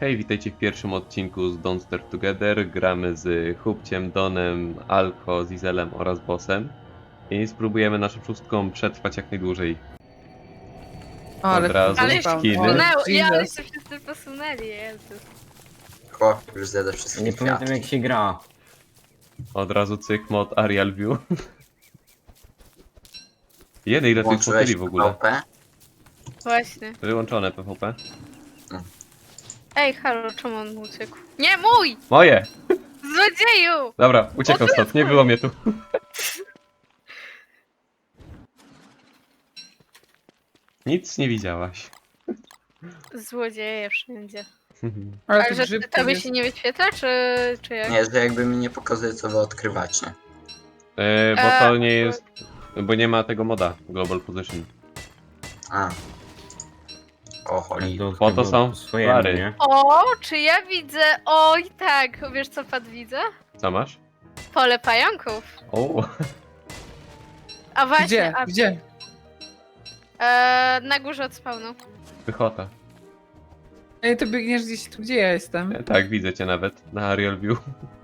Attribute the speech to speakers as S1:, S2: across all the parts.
S1: Hej, witajcie w pierwszym odcinku z Don't Starve Together. Gramy z Hubciem, Donem, Alko, Zizelem oraz Bossem. I spróbujemy naszą szóstką przetrwać jak najdłużej.
S2: Ale
S1: Od razu
S2: Ale
S3: się
S1: skiny.
S3: posunęło, ja, ale
S2: Jesus.
S3: się wszyscy posunęli, Jezu.
S4: Chłop już zjada wszystkie
S5: Nie pamiętam
S4: kwiatki.
S5: jak się gra.
S1: Od razu cyk mod Arial View. Ile tych
S4: Włączyłeś
S1: fotyli w ogóle?
S4: PvP?
S3: Właśnie.
S1: Wyłączone PvP.
S3: Ej, halo, czemu on uciekł? Nie, mój!
S1: Moje!
S3: Złodzieju!
S1: Dobra, uciekam stąd, nie było mnie tu. Nic nie widziałaś.
S3: Złodzieje wszędzie.
S2: Ale
S3: Ale
S2: tu
S3: że
S2: grzybków
S3: tobie
S2: jest.
S3: się nie wyświetla, czy jak?
S4: Nie, że jakby mi nie pokazuje, co wy odkrywacie.
S1: Bo to nie jest... Bo nie ma tego moda Global Position.
S4: A. O, cholera.
S1: Po to są
S5: swojemu,
S1: pary.
S5: nie?
S3: O, czy ja widzę? Oj, tak, wiesz co pan widzę?
S1: Co masz?
S3: Pole pająków.
S1: O,
S3: A właśnie,
S2: Gdzie? Gdzie?
S3: Na górze od spawnu.
S1: pychota.
S2: Ej, to biegniesz gdzieś tu, gdzie ja jestem.
S1: Tak, widzę cię nawet na Arial View.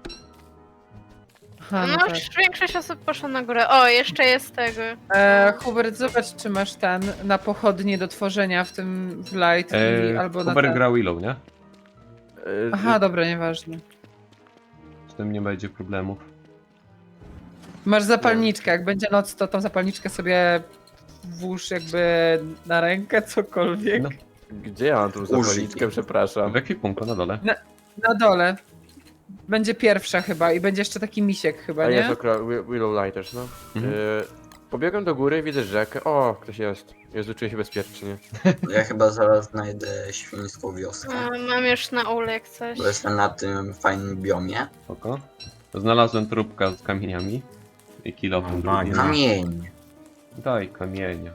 S2: Aha,
S3: No,
S2: no tak.
S3: już większość osób poszło na górę. O, jeszcze jest tego.
S2: Hubert, zobacz, czy masz ten na pochodnie do tworzenia w tym w light i albo na
S1: Huber
S2: ten.
S1: gra Willow, nie?
S2: Aha, dobra, nieważne.
S1: Z tym nie będzie problemów.
S2: Masz zapalniczkę, jak będzie noc, to tą zapalniczkę sobie włóż jakby na rękę, cokolwiek.
S1: No.
S6: Gdzie ja mam tu zapalniczkę, przepraszam?
S1: W ekwipunku na dole.
S2: Na dole. Będzie pierwsza chyba i będzie jeszcze taki misiek chyba,
S6: A
S2: nie?
S6: jest okra Willow Lighters, no.
S1: Mhm.
S6: Pobiegłem do góry, widzę rzekę. O, ktoś jest. Jezu, czuję się bezpiecznie.
S4: Ja chyba zaraz znajdę świńską wioskę.
S3: Mam już na ulek coś.
S4: Bo jestem na tym fajnym biomie.
S1: Spoko. Znalazłem trupka z kamieniami. I kilofem
S5: No,
S1: drugim.
S5: No.
S4: Kamień.
S1: Daj kamienia.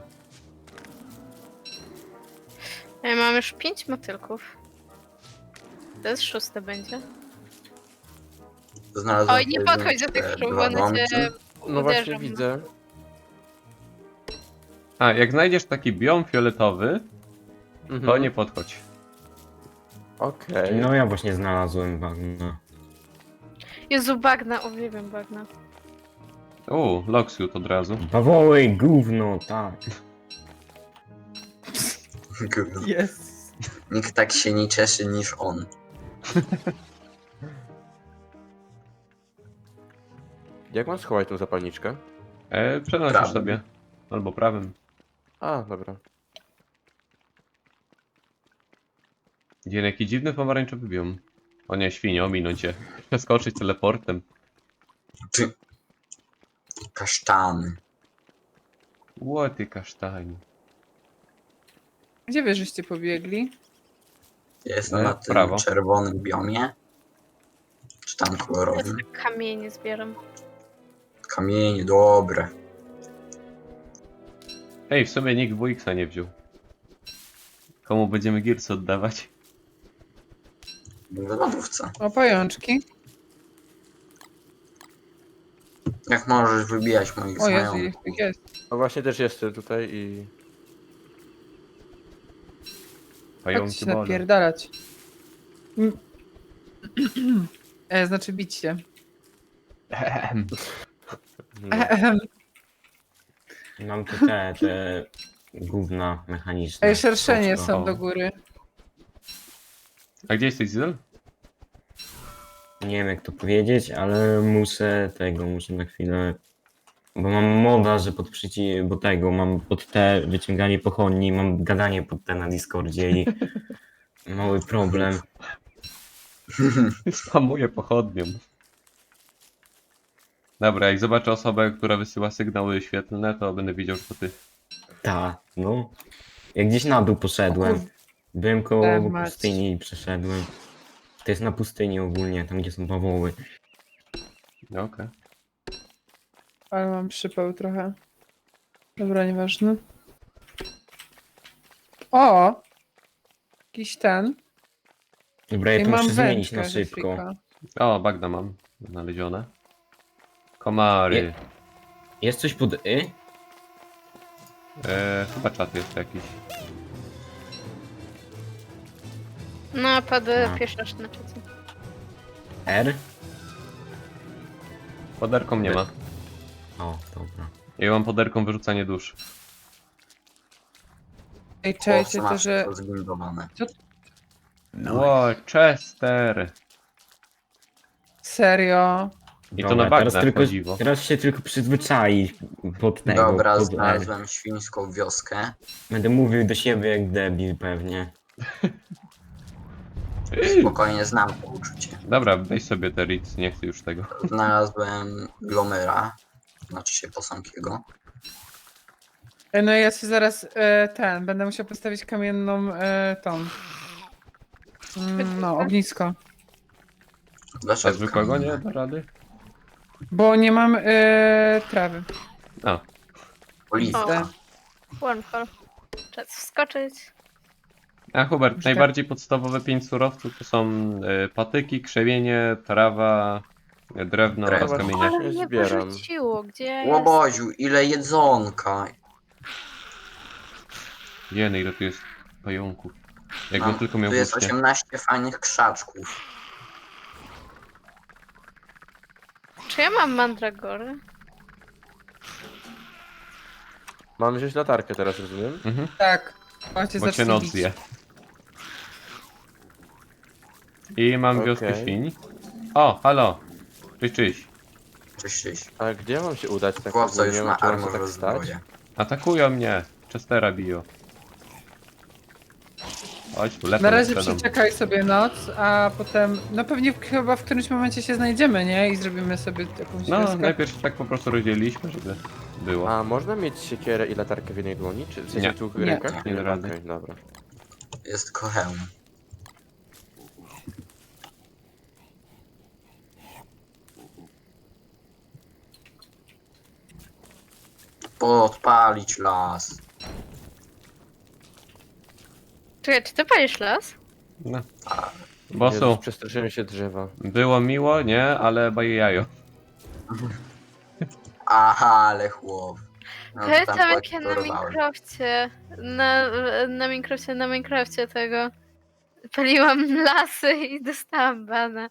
S3: Ja mam już 5 motylków. To jest 6 będzie.
S4: Znalazłem
S3: Oj, nie podchodź do tych
S4: te
S3: krów,
S4: dwa
S3: one
S4: domki.
S3: cię
S6: No właśnie
S3: uderzą.
S6: widzę.
S1: A, jak znajdziesz taki biom fioletowy, to
S6: Mhm.
S1: nie podchodź.
S6: Okej.
S5: No ja właśnie znalazłem bagno.
S3: Jezu, bagna, uwielbiam bagna.
S1: Locksuit od razu.
S5: Bawoły, gówno, tak.
S2: Jest.
S4: Nikt tak się nie cieszy niż on.
S6: Jak mam schować tą zapalniczkę?
S1: Przenosisz
S4: Prawym.
S1: sobie. Albo prawym.
S6: A, dobra.
S1: Dzień, jaki dziwny pomarańczowy biom. O nie, świnie, ominąć cię. Przeskoczyć teleportem.
S4: Ty. Kasztany.
S1: Łoty kasztani.
S2: Gdzie wy żeście pobiegli?
S4: Ja jestem na tym
S1: prawo.
S4: czerwonym biomie. Czy tam
S3: Ja
S4: kolorowym?
S3: sobie kamienie zbieram.
S4: Kamienie, dobre.
S1: Ej, w sumie nikt WX-a nie wziął. Komu będziemy Gearsy oddawać?
S4: W lodówce.
S2: O, pajączki.
S4: Jak możesz wybijać moich
S2: O Jezu,
S4: znajomych?
S2: jest.
S6: No właśnie też jestem tutaj i...
S1: Pająki
S2: Chodźcie
S1: bolą.
S2: napierdalać. Znaczy bić się.
S6: No.
S5: Mam tu te gówna mechaniczne.
S2: Ej, szerszenie
S5: Prosto.
S2: są do góry.
S1: A gdzie jesteś, Zizel?
S5: Nie wiem jak to powiedzieć, ale muszę na chwilę... Bo mam moda, że bo tego, mam pod te wyciąganie pochodni, mam gadanie pod te na Discordzie i mały problem.
S1: Spamuję pochodnią. Dobra, jak zobaczę osobę, która wysyła sygnały świetlne, to będę wiedział, że to ty.
S5: Ta, no. Jak gdzieś na dół poszedłem. Byłem koło
S2: mać.
S5: pustyni i przeszedłem. To jest na pustyni ogólnie, tam gdzie są bawoły.
S1: No, okej.
S2: Ale mam przypał trochę. Dobra, nieważne. O! Jakiś ten.
S5: Dobra, ja
S2: I
S5: to
S2: mam
S5: muszę zmienić
S2: wędkę
S5: na
S2: ze
S5: szybko.
S2: frika.
S1: O, bagna mam znalezione. Komary.
S5: Jest coś pod y?
S1: Chyba czat jest jakiś.
S3: No, pod
S5: No.
S3: pieszasz na czacie.
S5: R?
S1: Poderką nie ma.
S5: O, dobra.
S1: Ja mam poderką wyrzucanie dusz.
S2: Ej,
S4: Chłopcy
S2: czajcie to,
S4: masz
S2: że...
S4: to zbindowane.
S1: Ło, Chester!
S2: Serio?
S1: I to na bagnach, o dziwo.
S5: teraz się tylko przyzwyczai pod tego.
S4: Dobra,
S5: pod R.
S4: znalazłem świńską wioskę.
S5: Będę mówił do siebie jak debil pewnie.
S4: Spokojnie znam to uczucie.
S1: Dobra, weź sobie te Ritz, nie chcę już tego.
S4: Znalazłem Glomera. Znaczy się posągiego.
S2: Ej, no ja się zaraz będę musiał postawić kamienną tą. No, ognisko.
S1: A
S4: Dlaczego
S1: zwykłego nie
S4: kamienne?
S1: da rady?
S2: Bo nie mam trawy.
S1: A,
S4: Oliwka.
S3: Wormhole. Czas wskoczyć.
S1: a Hubert,
S2: Już
S1: najbardziej podstawowe 5 surowców to są patyki, krzemienie, trawa, drewno oraz
S4: Drewno.
S1: kamienie.
S3: Ale mnie
S6: zbieram.
S3: porzuciło, gdzie jest?
S4: Łoboziu, ile jedzonka.
S1: Jeny, ile tu jest pająków. Jakbym tylko miał
S4: Tu jest
S1: włócznie.
S4: 18 fajnych krzaczków.
S3: Czy ja mam mandragory?
S6: Mam wziąć latarkę teraz, rozumiem?
S1: Mhm,
S2: Tak. Macie
S1: bo cię noc zje. I mam
S6: Okej.
S1: wioskę świń. O, halo. Cześć, cześć.
S4: Cześć, cześć.
S6: A gdzie mam się udać tak
S4: Chłopca już
S6: ogólnie?
S4: ma
S6: Czy mam się
S4: armor
S6: tak stać?
S4: rozbroję.
S1: Atakują mnie. Chestera biją. Chodź tu, lecę
S2: Na razie
S1: przed mną.
S2: przeczekaj sobie noc, a potem, no pewnie chyba w którymś momencie się znajdziemy, nie? I zrobimy sobie jakąś
S1: No,
S2: wioskę.
S1: najpierw się tak po prostu rozdzieliliśmy, żeby było.
S6: A można mieć siekierę i latarkę w jednej dłoni? Czy w sensie
S1: Nie.
S6: tu w
S2: Nie.
S6: rękach?
S1: Nie da rady.
S6: Okej, dobra.
S4: Jest tylko hełm. Podpalić las.
S3: Czekaj, czy ty palisz las?
S1: No.
S6: Jezus,
S1: Bosu,
S6: przestraszyłem się drzewa.
S1: było miło, nie? Ale baje jajo.
S4: Aha, ale chłop. No, to
S3: Pamiętam
S4: tam
S3: jak ja na
S4: poeksplorowałem.
S3: Minecrafcie, na Minecrafcie tego paliłam lasy i dostałam bana.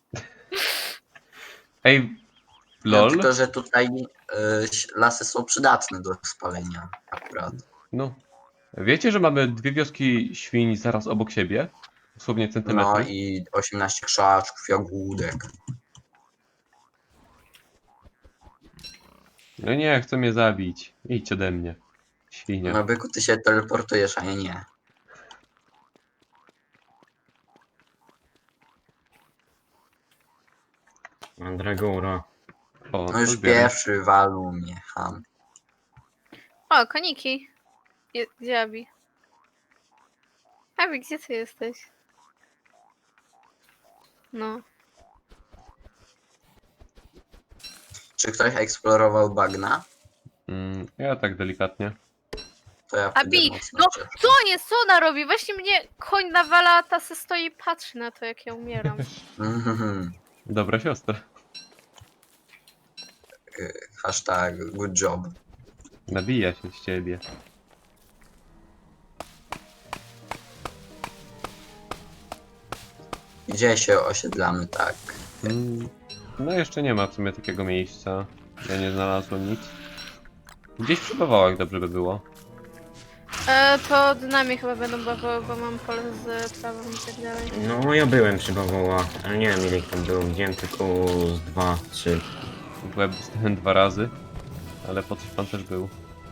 S1: Ej,
S4: No,
S1: lol.
S4: tylko, że tutaj lasy są przydatne do spalenia akurat.
S1: No. Wiecie, że mamy dwie wioski świń zaraz obok siebie? Dosłownie
S4: No
S1: centymetry.
S4: i 18 krzaczków, jagódek.
S1: No nie, chcą mnie zabić. Idź ode mnie. Świnia.
S4: No byku, ty się teleportujesz, a ja nie.
S5: Mandragora.
S1: O,
S4: No
S1: to
S4: już
S1: zbieram.
S4: pierwszy walu mnie, ham.
S3: O, koniki. Gdzie Abi? Abi, gdzie ty jesteś? No.
S4: Czy ktoś eksplorował bagna?
S1: Ja tak delikatnie.
S4: To ja wtedy
S3: Abi,
S4: mocno
S3: no
S4: cieszę.
S3: co jest? Co ona robi? Właśnie mnie koń nawala, a ta se stoi i patrzy na to, jak ja umieram.
S4: Mhm.
S1: Dobra siostra.
S4: Hashtag good job.
S1: Nabija się z ciebie.
S4: Gdzie się osiedlamy tak?
S1: No jeszcze nie ma w sumie takiego miejsca. Ja nie znalazłem nic. Gdzieś przy bawałach dobrze by było.
S3: To od nami chyba będą bawoły, bo mam pole z trawą i tak dalej.
S5: No ja byłem przy bawołach, ale nie wiem ile ich tam było. Widziałem tylko z 2, 3.
S1: W łeb dostałem 2 razy. Ale po coś pan też był.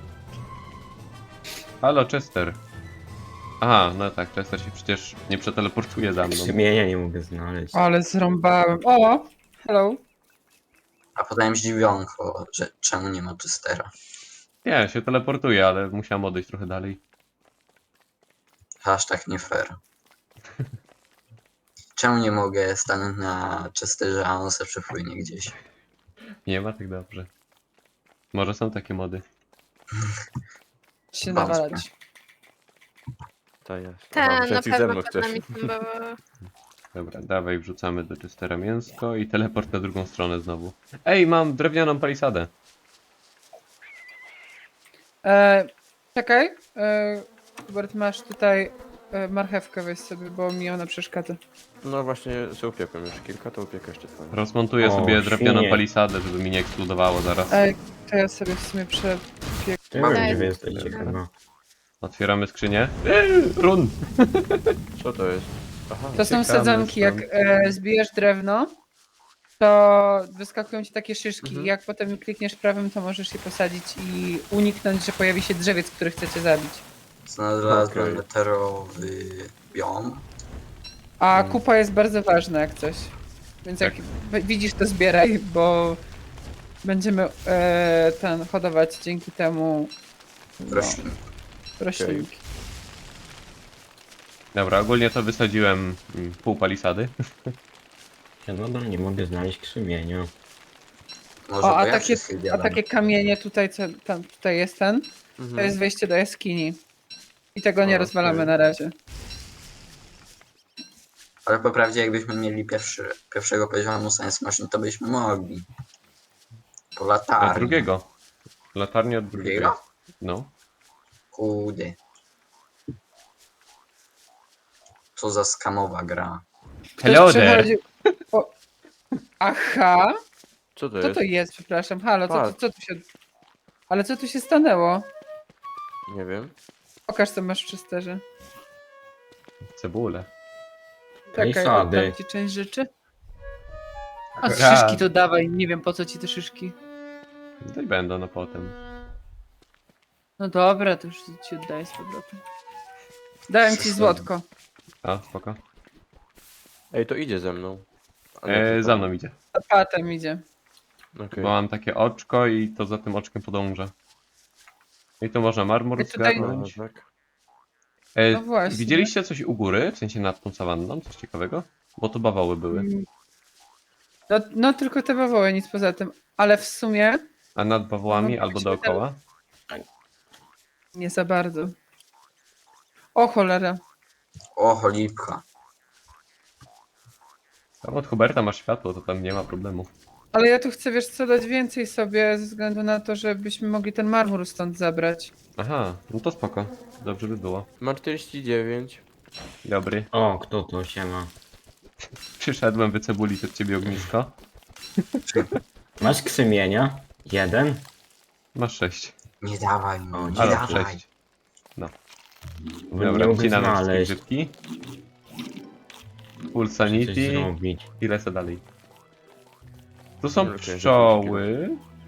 S1: Halo, Chester. Aha, no tak, Chester się przecież nie przeteleportuje za mną.
S5: Krzemienia nie mogę znaleźć.
S2: Ale zrąbałem. O! Hello.
S4: A potem zdziwionko, że czemu nie ma Chestera.
S1: Nie, się teleportuje, ale musiałem odejść trochę dalej.
S4: Hashtag nie fair. Czemu nie mogę stanąć na Chesterze, a on se przepłynie gdzieś?
S1: Nie ma tak dobrze. Może są takie mody.
S2: Się
S4: Wątpię.
S2: nawalać.
S6: To jest.
S3: Tak,
S6: Aha,
S3: na
S6: myślałem, coś ze
S3: pewno
S6: mną
S3: przed
S6: chcesz.
S3: nami są bawoły.
S1: Dobra, dawaj, wrzucamy do Chestera mięsko i teleport na drugą stronę znowu. Ej, mam drewnianą palisadę.
S2: Czekaj. Hubert, masz tutaj marchewkę weź sobie, bo mi ona przeszkadza.
S6: No właśnie, sobie upiekłem już kilka, to upiekę jeszcze twoje.
S1: Rozmontuję
S5: O,
S1: sobie drewnianą
S5: świnie.
S1: palisadę, żeby mi nie eksplodowało zaraz.
S2: Ej, to ja sobie w sumie
S5: Ty
S4: Mam
S5: wiem, gdzie wy
S3: nadzieję,
S5: jesteście
S3: że-
S5: chyba.
S1: Otwieramy skrzynię. Run!
S6: Co to jest? Aha,
S2: To są
S1: Uciekamy
S2: sadzonki, jak
S1: stąd.
S2: zbijesz drewno, to wyskakują ci takie szyszki.
S6: Mhm.
S2: Jak potem klikniesz prawym, to możesz je posadzić i uniknąć, że pojawi się drzewiec, który chcecie zabić.
S4: Znalazłem
S6: Okej.
S4: meteorowy biom.
S2: A kupa jest bardzo ważna jak coś. Więc jak widzisz, to zbieraj, bo będziemy hodować dzięki temu
S4: Roślin.
S2: roślinki.
S1: Dobra, ogólnie to wysadziłem pół palisady.
S5: Ja nadal nie mogę znaleźć krzemienia.
S4: Może
S2: O,
S4: to
S2: a
S4: ja
S2: takie,
S4: wszystkie
S2: a
S4: zjadam.
S2: takie kamienie tutaj, tutaj jest ten, to
S6: Mhm.
S2: jest wejście do jaskini. I tego nie
S6: Okej.
S2: rozwalamy na razie.
S4: Ale po prawdzie jakbyśmy mieli pierwszego poziomu Science Machine, to byśmy mogli. Po
S1: A
S4: latarni.
S1: drugiego. Latarnię od drugiego.
S4: Drugiego?
S1: No.
S4: Kurde. Co za skamowa gra.
S1: Hello
S2: Ktoś
S1: there!
S2: przechodzi- o... Aha,
S6: Co to
S2: co
S6: jest?
S2: to jest, przepraszam, halo,
S6: Patrz.
S2: co tu się... Ale co tu się stanęło?
S6: Nie wiem.
S2: Pokaż, co masz w czysterze.
S1: Cebulę.
S2: Czekaj,
S5: Palisady.
S2: oddam ci część rzeczy. A
S1: Raz.
S2: szyszki to dawaj, nie wiem po co ci te szyszki.
S1: To i będą no potem.
S2: No dobra, to już ci oddaję z powrotem. Dałem ci złotko.
S1: A, spoko.
S6: Ej, to idzie ze mną. A nie, to
S1: Za mną idzie.
S2: A patem idzie.
S6: Okej.
S1: Bo mam takie oczko i to za tym oczkiem podąża. I tu można marmur
S2: I tutaj-
S1: zgarnąć.
S6: No, tak.
S2: No właśnie.
S1: Widzieliście coś u góry? W sensie nad tą sawanną? Coś ciekawego? Bo to bawoły były.
S2: No tylko te bawoły, nic poza tym. Ale w sumie
S1: A nad bawołami
S2: No,
S1: albo
S2: musimy
S1: dookoła?
S2: nie za bardzo. O cholera.
S4: O, cholipka.
S1: Tam od Huberta masz światło, to tam nie ma problemu.
S2: Ale ja tu chcę, wiesz co, dać więcej sobie ze względu na to, żebyśmy mogli ten marmur stąd zabrać.
S1: Aha, no to spoko. Dobrze by było.
S6: Mam 49.
S1: Dobry.
S5: O, kto to siema?
S1: Przyszedłem wycebulić od ciebie ognisko.
S5: Masz krzemienia? Jeden?
S1: Masz 6.
S4: Nie dawaj mi, nie
S1: Ale
S4: dawaj.
S1: 6.
S5: Bo
S1: Dobra,
S5: nie mogę
S1: wcinamy wszystkie
S5: znaleźć.
S1: grzybki. Full
S5: Coś
S1: sanity
S5: zrobić.
S1: i lecę dalej. Tu są
S6: Okej,
S1: pszczoły.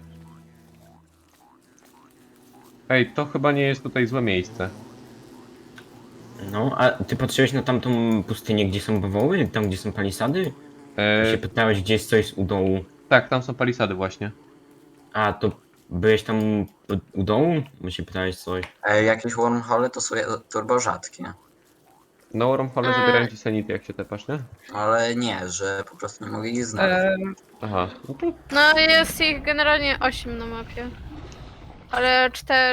S1: Ej, to chyba nie jest tutaj złe miejsce.
S5: No, a ty patrzyłeś na tamtą pustynię, gdzie są bawoły? Tam, gdzie są palisady? Się pytałeś, gdzie jest coś u dołu.
S1: Tak, tam są palisady właśnie.
S5: A, to byłeś tam u dołu? Bo się pytałeś coś.
S4: Jakieś wormhole to są turbo rzadkie.
S1: Na wormhole zabierają ci sanity, jak się tepasz, nie?
S4: Ale nie, że po prostu nie mogę ich znaleźć.
S1: Aha, no to
S3: No jest ich generalnie 8 na mapie. Ale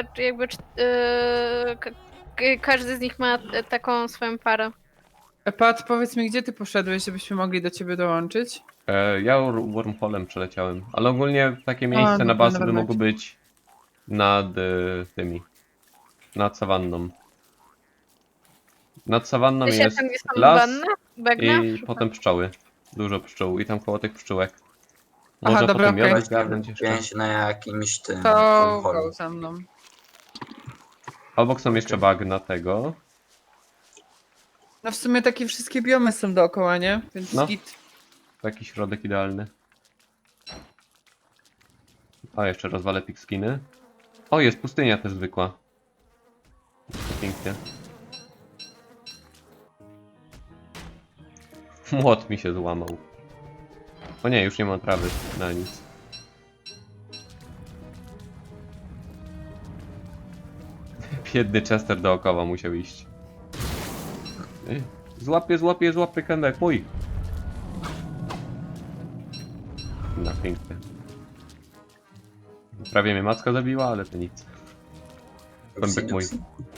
S3: każdy z nich ma taką swoją parę.
S2: Pat, powiedz mi, gdzie ty poszedłeś, żebyśmy mogli do ciebie dołączyć?
S1: ja wormholem przeleciałem. Ale ogólnie takie miejsce
S2: no
S1: na
S2: to
S1: bazę by
S2: dobra.
S1: mogło być nad tymi. Nad sawanną. Nad sawanną
S3: Wiecie,
S1: jest
S3: tam gdzie są
S1: las
S3: wanny? Bagna?
S1: i potem pszczoły. Dużo pszczół i tam koło tych pszczółek.
S2: Aha,
S1: Można
S2: dobra,
S1: potem
S2: okej.
S1: miodek zgarnąć jeszcze.
S4: Pięć na jakimś tym
S2: To
S4: wormholu.
S2: go za mną.
S1: Obok są jeszcze bagna tego.
S2: No w sumie takie wszystkie biomy są dookoła, nie? Więc
S1: No.
S2: git.
S1: Taki środek idealny. A jeszcze rozwalę pikskiny. O, jest pustynia też zwykła. To pięknie. Młot mi się złamał. O nie, już nie mam trawy na nic. Biedny Chester dookoła musiał iść. Złapie kędek, mój! No, pięknie. Prawie mnie macka zabiła, ale to nic. Kąbek mój.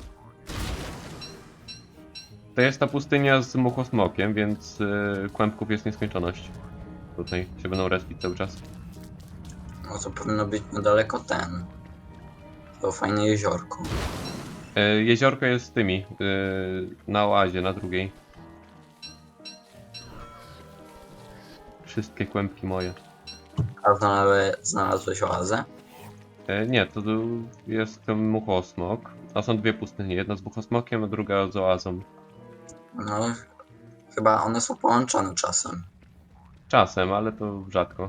S1: To jest ta pustynia z muchosmokiem, więc kłębków jest nieskończoność. Tutaj się będą respić cały czas.
S4: No to powinno być niedaleko ten. To fajne jeziorko.
S1: Jeziorko jest z tymi, na oazie, na drugiej. Wszystkie kłębki moje.
S4: A znalazłeś oazę?
S1: Nie, to jest ten muchosmok. A są dwie pustynie, jedna z muchosmokiem, a druga z oazą.
S4: No, chyba one są połączone czasem.
S1: Czasem, ale to rzadko.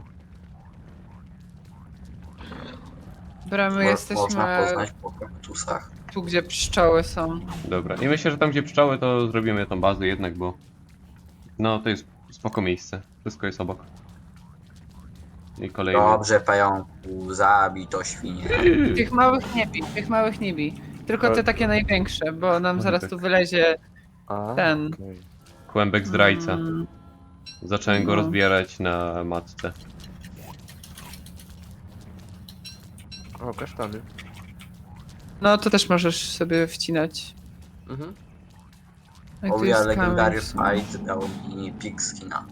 S2: Dobra, my
S4: Można
S2: jesteśmy
S4: poznać po kaktusach.
S2: tu, gdzie pszczoły są.
S1: Dobra, i myślę, że tam gdzie pszczoły to zrobimy tą bazę jednak, bo... No, to jest spoko miejsce. Wszystko jest obok. I kolejny.
S4: Dobrze, pająku, zabij to świnie.
S2: Tych małych nie bij. Tylko te takie największe, bo nam zaraz tu wylezie
S6: A,
S2: ten.
S6: okej.
S1: Kłębek zdrajca.
S2: Mm,
S1: Zacząłem go
S2: No.
S1: rozbierać na matce.
S6: O, kasztany.
S2: No to też możesz sobie wcinać.
S6: Mhm.
S2: No i tu
S4: Owie
S2: jest
S4: Legendary
S2: kamień.
S4: Fight dał mi pig skina.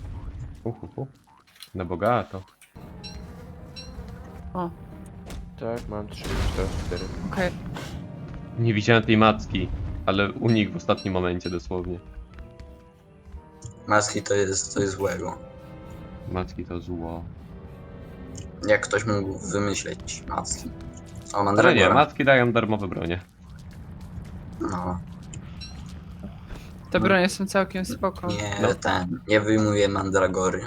S1: Na bogato.
S2: O,
S6: Tak, mam 3, 4, 4.
S2: okej.
S1: Nie widziałem tej macki, ale unikł w ostatnim momencie dosłownie.
S4: Maski to jest coś złego.
S1: Macki to zło.
S4: Jak ktoś mógł wymyśleć macki? O,
S1: Ale nie,
S4: Mandragora.
S1: macki dają darmowe bronie.
S4: No,
S2: Te bronie są całkiem spoko.
S4: nie
S1: No.
S4: nie wyjmuję Mandragory.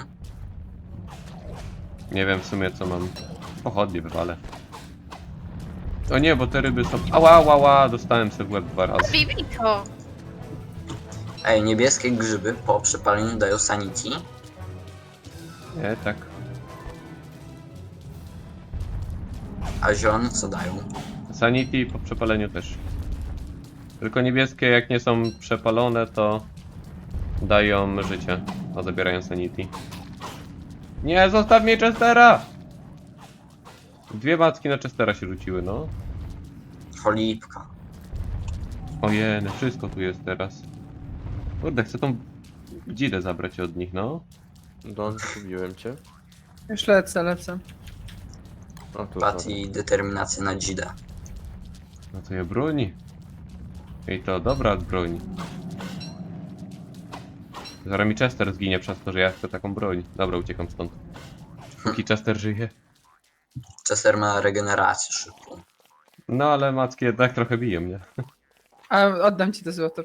S1: Nie wiem w sumie co mam. Pochodnie wywalę. O nie, bo te ryby są... Ała, dostałem sobie w łeb 2 razy.
S3: Bibi to!
S4: Ej, niebieskie grzyby po przepaleniu dają sanity.
S1: Nie, tak.
S4: A zielone co dają?
S1: Sanity po przepaleniu też. Tylko niebieskie jak nie są przepalone to dają życie, a zabierają sanity. Nie, zostaw mnie Chestera! Dwie macki na Chestera się rzuciły, no.
S4: Cholipka.
S1: Ojej, wszystko tu jest teraz. Kurde, chcę tą dzidę zabrać od nich, no.
S6: Don, zgubiłem cię.
S2: Już lecę.
S6: O, tu
S4: Pat i determinacja na dzidę.
S1: No to je broni. I to dobra broń. Zaraz mi Chester zginie przez to, że ja chcę taką broń. Dobra, uciekam stąd. Póki Chester żyje.
S4: Chester ma regenerację szybką.
S1: No ale macki jednak trochę biją mnie.
S2: A oddam ci to złoto,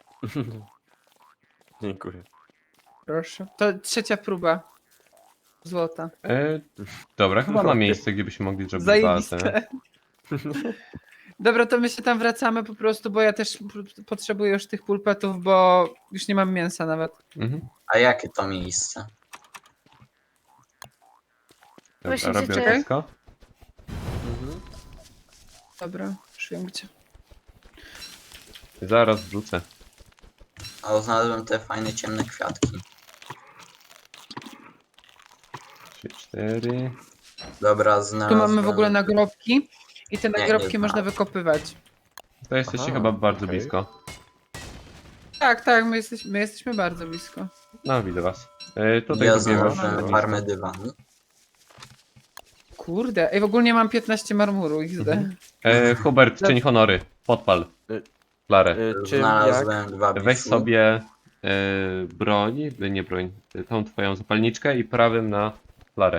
S6: Dziękuję.
S2: proszę. To trzecia próba złota.
S1: Dobra, chyba ma miejsce, gdzie byśmy mogli zrobić bazę.
S2: Zajebiste. Dobra, to my się tam wracamy po prostu, bo ja też potrzebuję już tych pulpetów, bo już nie mam mięsa nawet.
S1: Mhm.
S4: A jakie to miejsce?
S1: Dobra,
S3: Właśnie
S1: robię
S3: życzę.
S1: ognisko.
S6: Mhm.
S2: Dobra, już wiem gdzie.
S1: Zaraz wrzucę.
S4: A znalazłem te fajne ciemne kwiatki.
S1: 3, 4.
S4: Dobra,
S2: Tu
S4: znalazłem.
S2: mamy w ogóle nagrobki i te
S4: Nie,
S2: nagrobki
S4: nie
S2: można
S4: znam.
S2: wykopywać.
S1: To jesteście
S6: Aha,
S1: chyba bardzo
S6: okej.
S1: blisko.
S2: Tak, my jesteśmy bardzo blisko.
S1: No, widzę was. Tutaj
S4: Ja
S1: zrobię
S4: znalazłem farmę dywanu.
S2: Kurde, ej, w ogóle mam 15 marmuru XD.
S1: Hubert, czyń honory. Podpal.
S6: Y,
S1: Klarę.
S6: Czym, jak?
S4: Znalazłem dwa
S1: Weź
S4: bifu.
S1: sobie broń, nie broń, tą twoją zapalniczkę i prawym na flarę.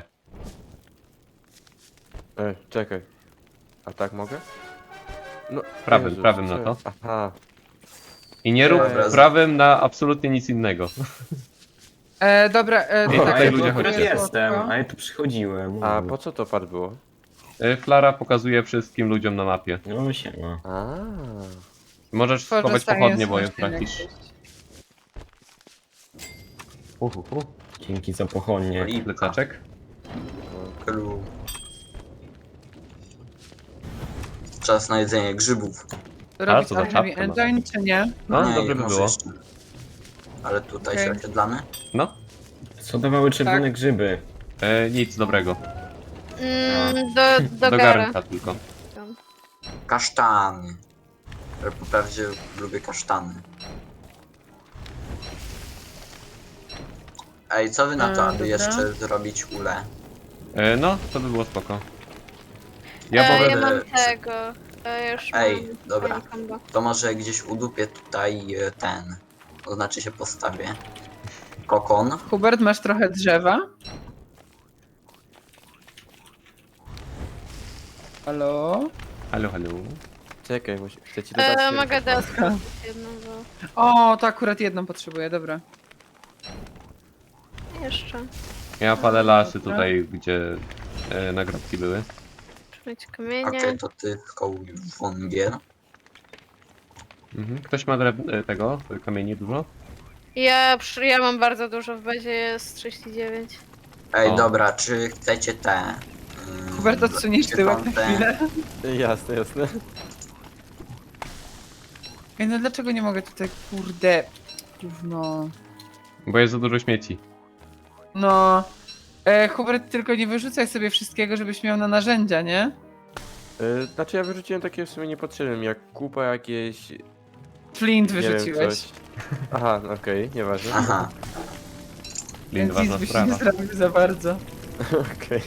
S6: Czekaj. A tak mogę? No,
S1: Prawym na to.
S6: Aha.
S1: I nie rób
S4: Dobra,
S1: prawym na absolutnie nic innego.
S2: Dobra,
S1: I
S2: tak,
S1: tutaj
S2: ja
S1: ludzie
S2: tu
S1: chodźcie.
S5: Jestem, a ja tu przychodziłem.
S6: A po co to pad było?
S1: Flara pokazuje wszystkim ludziom na mapie.
S5: No siema.
S6: A.
S1: Możesz
S2: Tworzę
S1: schować
S2: science
S1: pochodnie, bo je
S2: machine
S1: tracisz.
S2: jakieś.
S5: Dzięki za pochodnie.
S4: Cholipka.
S1: Plecaczek.
S4: Kru. Czas na jedzenie grzybów.
S2: Robić
S1: co za
S2: Alchemy
S1: czapkę ma?
S2: Engine, czy nie?
S1: No,
S4: Nie,
S1: dobrze by
S4: może
S1: było.
S4: jeszcze. Ale tutaj
S2: Okej.
S4: się osiedlamy.
S1: No,
S5: Co dawały czerwone
S2: Tak.
S5: grzyby?
S1: nic dobrego.
S3: Do
S1: Do
S3: gara.
S1: garnka tylko.
S4: Kasztany. Ale po prawdzie lubię kasztany. Ej, co wy na to, aby
S2: dobra.
S4: jeszcze zrobić ule?
S1: No, to by było spoko. Ja
S3: Ja
S1: mogę...
S3: mam tego. Ja już
S4: Ej,
S3: mam
S4: dobra.
S3: fajne combo.
S4: To może gdzieś udupię tutaj ten. To znaczy się postawię. Kokon.
S2: Hubert, masz trochę drzewa? Halo?
S1: Halo, halo.
S6: Czekaj, chcę ci dodać...
S3: Mogę dać jedną, bo
S2: O, to akurat jedną potrzebuję, dobra.
S3: jeszcze.
S1: Ja palę lasy
S2: Dobra.
S1: tutaj, gdzie nagrobki były.
S3: Muszę mieć kamienie.
S4: Okej, to ty wągiel.
S1: Mhm. Ktoś ma tego kamieni dużo?
S3: Ja mam bardzo dużo, w bazie jest 39.
S4: Ej,
S1: O.
S4: dobra, czy chcecie te...
S2: Hubert, odsuniesz
S4: czy
S2: tyłek
S4: tam
S2: na
S4: te-
S2: chwilę?
S6: Jasne, jasne.
S2: Ej, no dlaczego nie mogę tutaj, kurde, gówno.
S1: Bo jest za dużo śmieci.
S2: No. Hubert, tylko nie wyrzucaj sobie wszystkiego, żebyś miał na narzędzia, nie?
S6: Znaczy ja wyrzuciłem takie w sumie niepotrzebne, jak kupa jakieś...
S2: Flint
S6: nie wiem,
S2: wyrzuciłeś.
S6: coś. Aha, okej, nieważne.
S4: Aha,
S1: Lin,
S2: Więc
S1: ważna
S2: nic byś nie
S1: sprawa.
S2: zrobił za bardzo.
S6: Okej.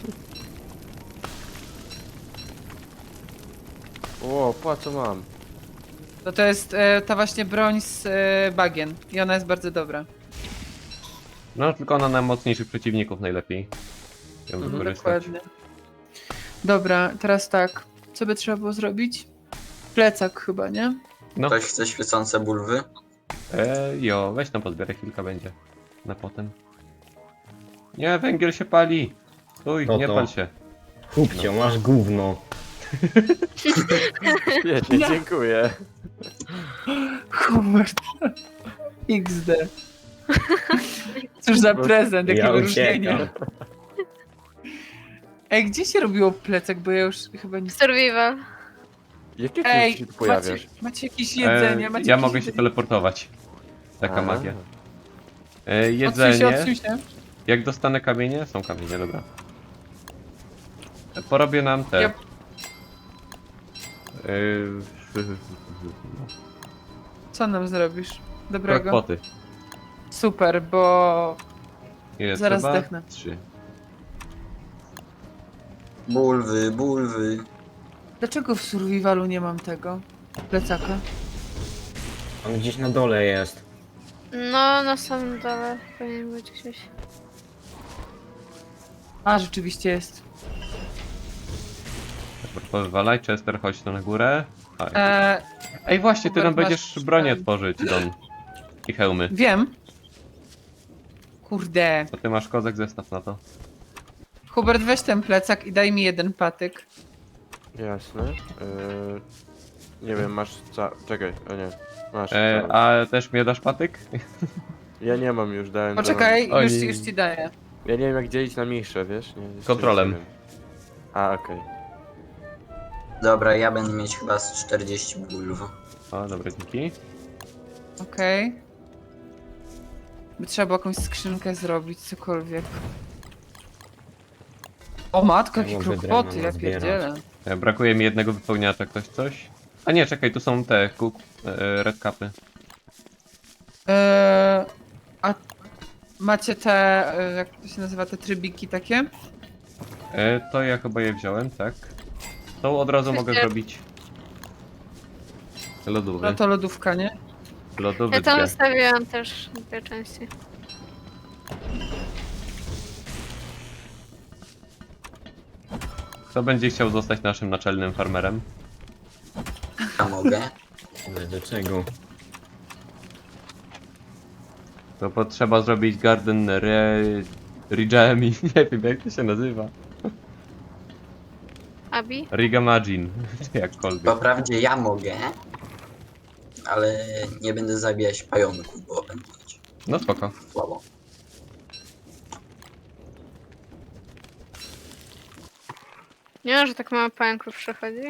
S6: O, po co mam?
S2: No to jest ta właśnie broń z bagien. I ona jest bardzo dobra.
S1: No, tylko ona na mocniejszych przeciwników najlepiej ją
S6: Mhm,
S1: wykorzystać.
S2: Dokładnie. Dobra, teraz tak. Co by trzeba było zrobić? Plecak chyba, nie?
S1: No,
S4: ktoś chce świecące bulwy?
S1: jo, weź tam pozbieraj, chwilkę będzie. Na potem. Nie, węgiel się pali! Stój,
S5: No
S1: nie
S5: to.
S1: pal się.
S5: Kupcio, masz gówno.
S6: Świetnie, dziękuję.
S2: Hubert. XD. Cóż za prezent, jakie
S5: Ja
S2: wyróżnienie.
S5: uciekam.
S2: Ej, gdzie się robiło plecak? Bo ja już chyba nie...
S3: Survival.
S6: Jakie ty
S2: Ej,
S6: się tu pojawiasz?
S2: macie jakieś jedzenie? Macie
S1: Ja
S2: jakieś
S1: mogę się
S2: jedzenie?
S1: teleportować. Taka
S6: A.
S1: magia.
S2: Odsuń się,
S1: Jedzenie.
S2: odsuń się.
S1: Jak dostanę kamienie? Są kamienie, dobra. Porobię nam te.
S2: Ja- Co nam zrobisz? Dobrego.
S1: Krokpoty.
S2: Super, bo...
S1: Ile
S2: Zaraz
S1: trzeba?
S2: zdechnę.
S1: 3.
S4: Bulwy, bulwy.
S2: Dlaczego w survivalu nie mam tego? Plecaka?
S5: On gdzieś na dole jest.
S3: No, na samym dole powinien być gdzieś.
S2: A, rzeczywiście jest.
S1: Powywalaj, Chester, chodź tu na górę. Chodź.
S2: Eee,
S1: Ej, właśnie, ty
S2: Hubert,
S1: nam
S2: masz
S1: będziesz bronię
S2: ten.
S1: tworzyć, Don. I hełmy.
S2: wiem. Kurde.
S1: To ty masz kozak, zestaw na to.
S2: Hubert, weź ten plecak i daj mi jeden patyk.
S6: Jasne. Nie wiem, masz Czekaj, o nie. Masz.
S1: A też mnie dasz patyk?
S6: Ja nie mam już, dałem.
S2: Poczekaj,
S1: Oni-
S2: już ci daję.
S6: Ja nie wiem jak dzielić na mniejsze, wiesz? Nie, jeszcze
S1: Kontrolem.
S6: nie wiem. A, okej.
S4: Dobra, ja będę mieć chyba z 40 bulw.
S1: O, dobra, dzięki.
S2: Okej. By trzeba było jakąś skrzynkę zrobić, cokolwiek. O matko, jakie
S5: Mogę
S2: krokoty,
S5: drewno
S2: ja
S5: nazbierać.
S2: pierdzielę.
S1: Brakuje mi jednego wypełniacza, ktoś coś? A nie, czekaj, tu są te red capy.
S2: A macie te, jak to się nazywa, te trybiki takie?
S1: To ja chyba je wziąłem, tak? To od razu mogę
S3: Wiecie-
S1: zrobić. Lodówy.
S2: No to lodówka, nie?
S1: Lodówy
S3: Ja tam
S1: dwie.
S3: zostawiłam też dwie części.
S1: Kto będzie chciał zostać naszym naczelnym farmerem?
S4: Ja mogę.
S5: Ale do czego?
S1: To potrzeba zrobić garden Rigami. Nie wiem jak to się nazywa.
S3: Abi?
S1: Rigamagin. Jakkolwiek.
S4: Wprawdzie ja mogę, ale nie będę zabijać pająków, bo będę mieć
S1: No spoko.
S4: słabo.
S3: Nie wiem, że tak mało pająków przychodzi.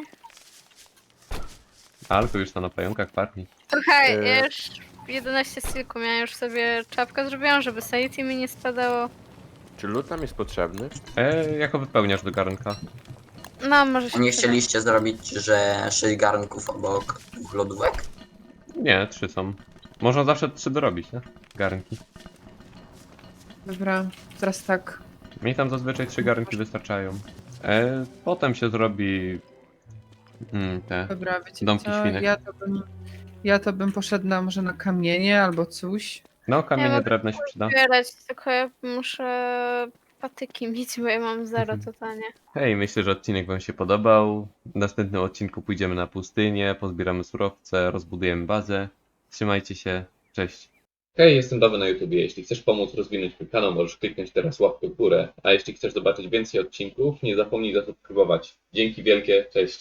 S1: Alko już to na pająkach parni.
S3: Słuchaj,
S6: E.
S3: ja już 11 silku miałem, już sobie czapkę zrobiłam, żeby sanity mi nie spadało.
S6: Czy lód nam jest potrzebny?
S1: Jako wypełniasz do garnka.
S3: No, może się
S4: Nie
S3: przyda.
S4: chcieliście zrobić, że 6 garnków obok 2 lodówek?
S1: Nie, 3 są. Można zawsze 3 dorobić, nie? Garnki.
S2: Dobra, teraz tak.
S1: Mi tam zazwyczaj 3 garnki wystarczają. Potem się zrobi Te.
S2: Dobra, wiecie
S1: Domki
S2: co?
S1: świnek.
S2: Ja to bym poszedł może na kamienie albo coś.
S1: No, kamienie
S3: mogę
S1: drewno się przyda.
S3: Zbierać, tylko ja muszę patyki mieć, bo ja mam zero totalnie.
S1: Hej, myślę, że odcinek wam się podobał. W następnym odcinku pójdziemy na pustynię, pozbieramy surowce, rozbudujemy bazę. Trzymajcie się, cześć. Hej, jestem Dawy na YouTubie. Jeśli chcesz pomóc rozwinąć mój kanał, możesz kliknąć teraz łapkę w górę. A jeśli chcesz zobaczyć więcej odcinków, nie zapomnij zasubskrybować. Dzięki wielkie, cześć.